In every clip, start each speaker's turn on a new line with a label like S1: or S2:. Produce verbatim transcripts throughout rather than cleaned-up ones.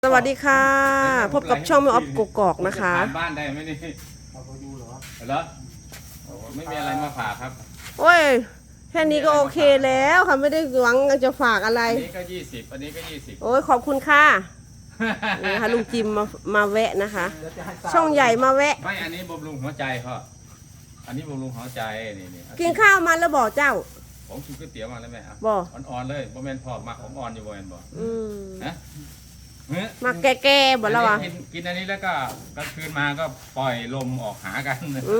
S1: สวัสดีค่ะพบกับช่องแม่ออฟกกอกนะคะ
S2: บ้านได้ไหมนี่เอาไปดูเหรอเหรอไม่มีอะไรมาฝากครับ
S1: โอ้ยแค่นี้ก็โอเคแล้วค่ะไม่ได้หวังจะฝากอะไร
S2: อันนี้ก็ยี่สิบอันนี้ก็ยี่สิบ
S1: โอ้ยขอบคุณค่ะนี่ค่ะลุงจิมมามาแวะนะคะช่องใหญ่มาแวะ
S2: ไม่อันนี้บำรุงหัวใจพ่ออันนี้บำรุงหัวใจนี่นี่
S1: กินข้าวมาแล้วบอกเจ้า
S2: ผมกินก๋วยเตี๋ยวมาแล้วแม่
S1: บอก
S2: อ่อนๆเลยบ่แม่นพ่อมาของอ่อนอยู่บ่แม่นบ่
S1: อืม
S2: นะ
S1: มาแก่ๆบ่แล้ววะ
S2: กินอันนี้แล้วก็กลางคืนมาก็ปล่อยลมออกหากัน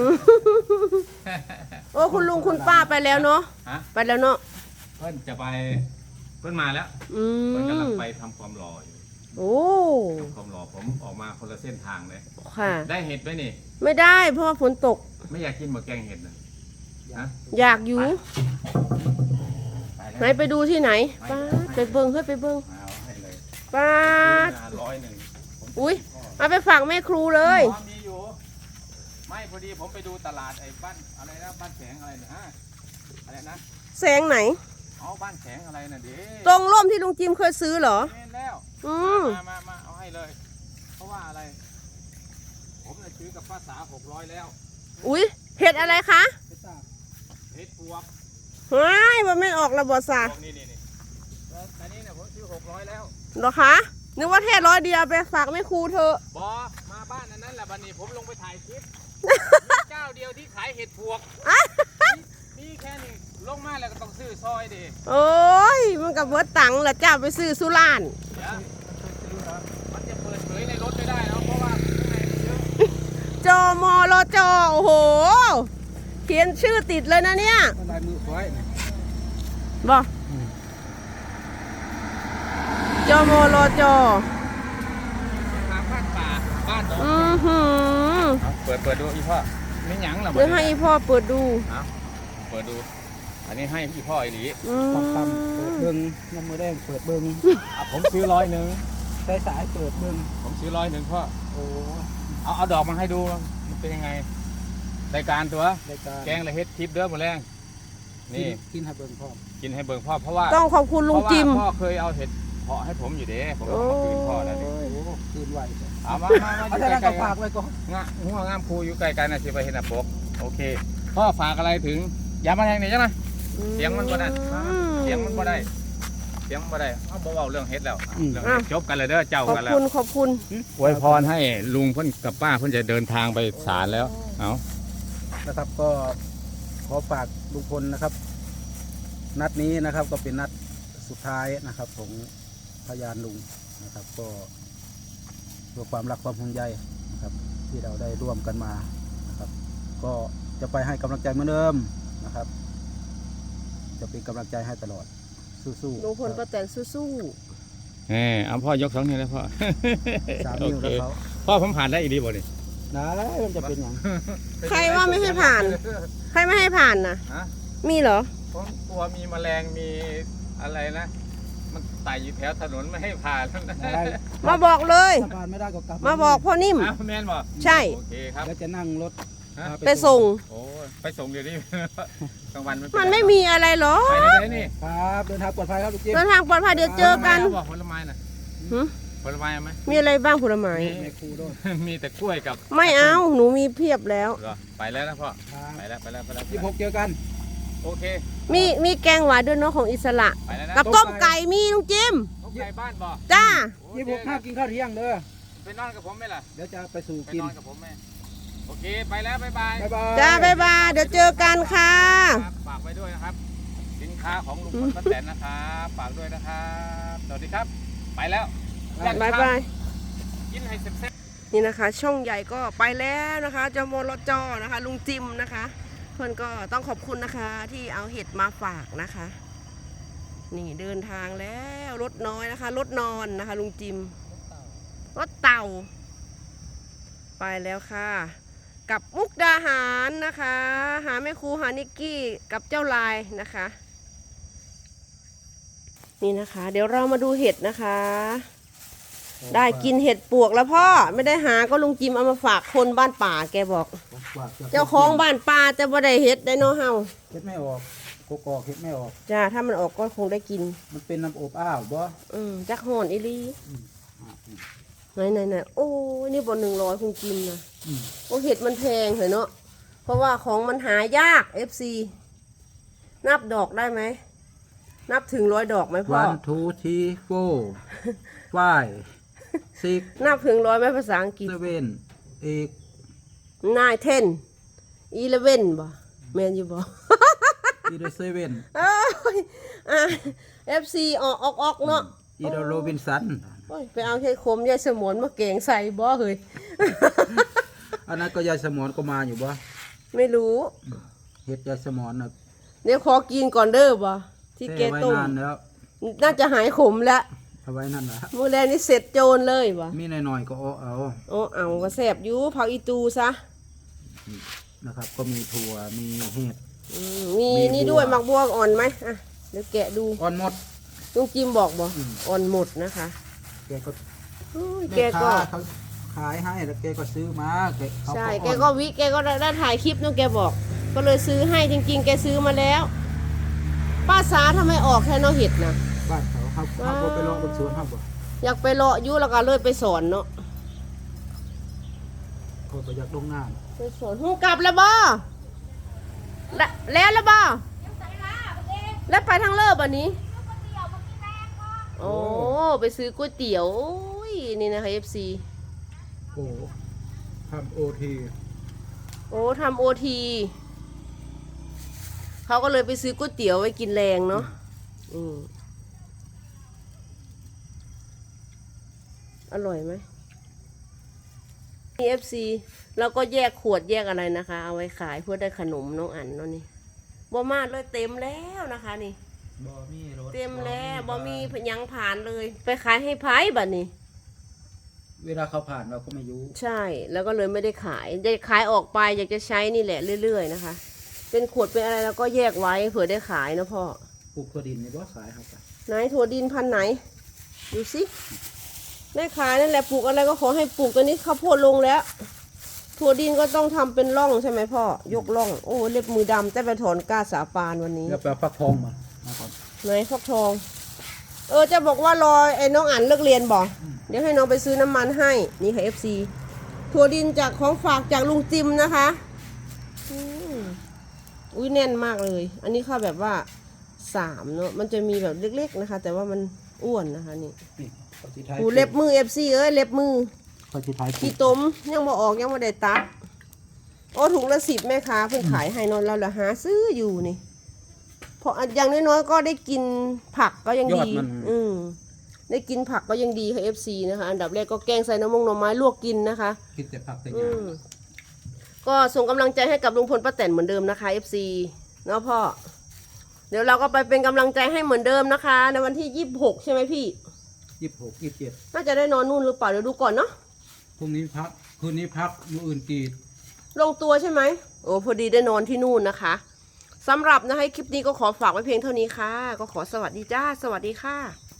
S1: โอ้คุณลุงคุณป้าไปแล้วเนาะไปแล้วเนาะ
S2: เพื่อนจะไปเพื่อนมาแล้ว
S1: เพื่
S2: อนกำลังไปทำความรออยู่
S1: โอ้
S2: ทำความรอผมออกมาคนละเส้นทางเลย
S1: ค่ะ
S2: ได้เห็ดไหมนี่
S1: ไม่ได้เพราะว่าฝนตก
S2: ไม่อยากกินหมกแกงเห็ดนะ
S1: อยากอยู่ไหนไปดูที่ไหนป้าไปเบิ้งเฮ้ยไปเบิ้งป้า
S2: ร้อยหนึ่ง
S1: อุ้ยเอาไปฝากแม่ครูเลย
S2: มีอยู่ไม่พอดีผมไปดูตลาดไอ้บ้านอะไรนะบ้านแสงอะไรนะอะไรนะ
S1: แสงไหน
S2: เอาบ้านแสงอะไรนะเด็
S1: ตรงร่มที่ลุงจิมเคยซื้อเหรอ
S2: เห็นแล้ว
S1: อืม
S2: มามามาเอาให้เลยเพราะว่าอะไรผมจะซื้อกับภาษาหกร้อยแล้ว
S1: อุ้ยเห็ดอะไรคะ
S2: เห็ดปวก
S1: เฮ้ยมันไม่ออกระบบซา
S2: นี่นี่นี่อันนี้เนี่ยผมซื้อหกร้อยแล้ว
S1: เหรอคะนึกว่าแค่ร้อยเดียวไปฝากแม่ครูเธอบ
S2: อมาบ้านนั้นแหละบันนี้ผมลงไปถ่ายคลิปเจ้าเดียวที่ขายเห็ดปวกนี่แค่นี้ลงมาแล้วก็ต้องซื้อซอยดิ
S1: โอ้ยมันกับเบิร์ตตังแหละเจ้าไปซื้อสุราน
S2: มันจะเปิดเผยในรถไม่ได้แล้วเพราะว่าข้างในมันเยอะ
S1: จอมอรจอโอ้โหเขียนชื่อติดเลยนะเนี่ย
S2: ลายมือไว้
S1: บอจอมอรจอ
S2: ทางบ้านป่าบ้าน
S1: อือหือ
S2: เปิดเปิดดูอีพ่อไม่หยั่งหรอ
S1: เดี๋ยวให้อีพ่อเปิดดู
S2: เปิดดูอันนี้ให้อีพ่ออีหลี
S1: ปั๊มปั๊ม
S3: เปิดเบิ้งน้ำมือแดงเปิดเบิ้ง
S2: ผมซื้อร้อยหนึ่ง
S3: สายสายเปิดเบิ้ง
S2: ผมซื้อร้อยหนึ่งพ่อโอ้เอาเอาดอกมาให้ดูมันเป็นยังไงรายการตัวแกงละเฮ็ดทิปเด้อหมดแรงนี่
S3: กินให้เบิ้งพ่อ
S2: กินให้เบิ้งพ่อเพราะว่า
S1: ต้องขอบคุณลุงจิม
S2: พ่อเคยเอาเห็ดเพาะให้ผมอยู่เด้ผมเอามาคืนพ่อแล้วนี่
S3: คืนไหว
S2: เอามามามาอยู่ใกล้ๆฝากไว้ก่อนงะหัวงามครูอยู่ใกล้กันนะสิไปเห็นอ่ะปกโอเคพ่อฝากอะไรถึงอย่ามาแทงนี่ใช่ไหมเสียงมันบ่ได้เสียงมันบ่ได้เสียงบ่ได้เอาบ่เว้าเรื่องเฮ็ดแล้วเรื่องจบกันเลยเด้อเจ้ากันแล้ว
S1: ขอบคุณขอบคุณ
S2: อวยพรให้ลุงเพิ่นกับป้าเพิ่นจะเดินทางไปศาลแล้วเอา
S3: นะครับก็ขอฝากลุงพลนะครับนัดนี้นะครับก็เป็นนัดสุดท้ายนะครับของพยานลุงนะครับก็เพื่อความรักความห่วงใยนะครับที่เราได้ร่วมกันมานะครับก็จะไปให้กำลังใจเหมือนเดิมนะครับจะเป็นกำลังใจให้ตลอดสู้
S1: ๆลุงพลป้าแตนสู้
S2: ๆแหมเอาพ่อยกสองนิ้วเลยพ่อ
S3: สามนิ้วแล้วเขา
S2: พ่อผมผ่านได้อีกดีบ่นี่
S3: ได้มันจะเป็นอย่าง
S1: ใครว่าไม่ให้ผ่านใครไม่ให้ผ่านนะมีเหรอ
S2: ผมกลัวมีแมลงมีอะไรนะมันไต่อยู่แถวถนนไม่ให้ผ่าน
S1: มาบอกเลย
S3: ผ่านไม่ได้ก็กลับ
S1: มาบอกพ่อนิ่ม
S2: แม่นบอก
S1: ใช่
S2: โอเคครับ
S3: แล้วจะนั่งรถ
S1: ไปส่ง
S2: โอ้ไปส่งเดี๋ยวนี้กลางวัน
S1: มันไม่มีอะไรหรอ
S2: ไปเลยนี่
S3: ครับเดินทางปลอดภัยครับลูกจิ๊บ
S1: เดินทางปลอดภัยเดี๋ยวเจอกัน
S2: บอกผลไม้น่ะผลไม้ไหม
S1: มีอะไรบ้างผลไม้
S2: มีแต่กล้วยกับ
S1: ไม่เอาหนูมีเพียบแล้ว
S2: ไปแล้วนะพ่อไปแล้วไปแล้วไปแล้ว
S3: ยี่สิบหกเจอกัน
S2: โอเค
S1: มีมีแกงหวานด้วยเนาะของอิสระกับต้มไก่มีลุงจิม
S2: ต้มไก่บ้านบอก
S1: จ้า
S3: ยี่สิบหกข้าวกินข้าวเที่ยงเด้อ
S2: ไปนอนกับผมไหมล่ะ
S3: เดี๋ยวจะไปสู่กิน
S2: นอนกับผมไหมโอเคไปแล้วบ๊ายบาย
S1: จ้าบ๊ายบายเดี๋ยวเจอกันค่ะ
S2: ฝากไว้ด้วยนะครับสินค้าของลุงพลป้าแตนนะครับฝากด้วยนะครับสวัสดีครับไปแล้ว
S1: บ๊ายบาย
S2: กินให้เซ็ต
S1: นี่นะคะช่องใหญ่ก็ไปแล้วนะคะจมรจนะคะลุงจิมนะคะเพื่อนก็ต้องขอบคุณนะคะที่เอาเห็ดมาฝากนะคะนี่เดินทางแล้วรถน้อยนะคะรถนอนนะคะลุงจิมรถเต่าไปแล้วค่ะกับมุกดาหารนะคะหาแม่ครูหานิกกี้กับเจ้าลายนะคะนี่นะคะเดี๋ยวเรามาดูเห็ดนะคะได้กินเห็ดปวกแล้วพ่อไม่ได้หาก็ลุงจิมเอามาฝากคนบ้านป่าแกบอกเจ้าของบ้านป่าจะบ่ได้เห็ดได้เนาะเฮา
S3: เห็ดไม่ออกโกกอกเห็ดไม่ออก
S1: จ้าถ้ามันออกก็คงได้กิน
S3: มันเป็นน้ำอบอ้าวบ่
S1: อืมจักห่อนอีลีไหนไหนไหนโอ้ยนี่บนหนึ่งร้อยคุณจิมนะ
S3: อืม
S1: โอ้เห็ดมันแพงเหรอเนาะเพราะว่าของมันหายาก เอฟ ซี นับดอกได้ไหมนับถึงร้อยดอกไหมพ่อ
S3: one two three four five six
S1: นับถึงร้อยไหมภาษาอังกฤษ
S3: seven eight
S1: nine ten eleven บ่แมนอยู่บ่
S3: either seven
S1: เอ้ยอ่ะ เอฟ ซี ออกออกออกเนาะ
S3: either Robinson
S1: โอ้ยไปเอาแค่คมยายสมวนมาเก่งใส่บ่เฮ้ย
S3: อันนั้นก็ยายสมอนก็มาอยู่บ่
S1: ไม่รู้
S3: เฮ็ดยายสมอนน่ะ
S1: เดี๋ยวขอกินก่อนเด้อบ่ที่แก
S3: แช่ไว้
S1: ต้ม
S3: นานแล้ว
S1: น่าจะหายขมแล้ว
S3: เอาไว้นั่นล่ะ
S1: มื้อแรกนี่เสร็จโจรเลยบ่
S3: มีหน่อยๆก็เอาเอา
S1: โอ้เอาก็แซ่บอยู่เผาอีตูซะ
S3: นะครับ ก็มีถั่วมีเห็ด
S1: อืมมี
S3: มี
S1: นี่
S3: บัว
S1: ด้วยหมักบัวอ่อนไหมอ่ะเดี๋ยวแกะดู
S3: อ่อนหมด
S1: ลุงจิมบอกบ่
S3: อืม
S1: อ่อนหมดนะคะ
S3: แกก็
S1: อุ้ยแก
S3: แม่
S1: ก็
S3: ค้าเขาขายให้แล้วแกก็ซื้อมาแกเขา
S1: ใช่ แก
S3: อ่อน
S1: ก็วิแกก็ได้ถ่ายคลิปนู่นแกบอก ก็เลยซื้อให้จริงๆ แกซื้อมาแล้ว ป้าสาทำไมออกแค่นอเห็ดนะ
S3: บ้านเขาเขาเขาบ่ไปเลาะบนสวนเขาบ่
S1: อยากไปเลาะอยุแล้วก็เลยไปสอนเนาะ
S3: เขาก็อยากลงน้
S1: ไปสอนหูกลับแล้วบ่และแล้วแล้วบ่แล้วไปทางเลิศอันนี้โอ้ไปซื้อก๋วยเตี๋ยวโอ้ยนี่นะคะ เอฟ ซี
S3: ำโอ้ทำโอที
S1: โอ้ทำโอทีเขาก็เลยไปซื้อก๋วยเตี๋ยวไว้กินแรงเนาะอืมอร่อยไหมนี่ เอฟ ซี แล้วก็แยกขวดแยกอะไรนะคะ เอาไว้ขายเพื่อได้ขนมน้องอันเนาะนี่บ่มาเลยเต็มแล้วนะคะนี่
S3: บ่มีรถ
S1: เต็มแล้วบ่มียังผ่านเลย ไปขายให้ไพ่บัดนี้
S3: เวลาเขาผ่านเราก็ไม่รู้
S1: ใช่ แล้วก็เลยไม่ได้ขายจะขายออกไปอยากจะใช้นี่แหละเรื่อยๆนะคะ เป็นขวดเป็นอะไรแล้วก็แยกไว้เผื่อได้ขายนะพ่อ
S3: ปลูกถั่วดินในบ่ขายครับ
S1: ไหนถั่วดินพันธุ์ไหน ดูสิได้ขายนั่นแหละปลูกอะไรก็ขอให้ปลูกตัวนี้ข้าวโพดลงแล้ว ถั่วดินก็ต้องทำเป็นร่องใช่ไหมพ่อยกร่องโอ้เล็บมือดำแต่ไปถอนก้าสาปานวันนี้
S3: แล้วไปเอาฟักทองมามาก่อน
S1: ไหนฟักทอง เออจะบอกว่ารอไอ้น้องอันเลิกเรียนบอกเดี๋ยวให้น้องไปซื้อน้ำมันให้นี่ค่ะ เอฟ ซี ถั่วดินจากของฝากจากลุงจิมนะคะอืมอุ้ยแน่นมากเลย อันนี้ข้าวแบบว่าสามเนาะมันจะมีแบบเล็กๆนะคะ แต่ว่ามันอ้วนนะคะนี่
S3: นี่เขาสิท้าย
S1: หูเล็บมือ เอฟ ซี เอ้ยเล็บมือ
S3: เขาสิท้ายปลู
S1: ขี้
S3: ก
S1: ต้มยังมาออกยังมาได้ตัดโอ้ถุงละสิบแม่ค้าเพิ่งขายให้นอนเราละหาซื้ออยู่นี่เพราะอย่างน้อยๆก็ได้กินผักก็ยัง
S3: ยอด
S1: ดี
S3: มัน
S1: อืมได้กินผักก็ยังดีค่ะ เอฟ ซี นะคะ อันดับแรกก็แกงใส่น้ำมงหน่อไม้ลวกกินนะคะ
S3: กินแต่ผักแต่ห
S1: อื
S3: ญ้าม
S1: ก็ส่งกำลังใจให้กับลุงพลป้าแตนเหมือนเดิมนะคะ เอฟ ซี เนาะพ่อ เดี๋ยวเราก็ไปเป็นกำลังใจให้เหมือนเดิมนะคะ ในวันที่ยี่สิบหกใช่ไหมพี่
S3: ยี่สิบหกยี่สิบเจ็ด
S1: น่าจะได้นอนนู่นหรือเปล่าเดี๋ยวดูก่อนเนาะ
S3: พรุ่งนี้พักคืนนี้พักมื้ออื่นกรีด
S1: ลงตัวใช่ไหมโอ้พอดีได้นอนที่นู่นนะคะสำหรับนะคะคลิปนี้ก็ขอฝากไว้เพียงเท่านี้ค่ะ ก็ขอสวัสดีจ้า สวัสดีค่ะ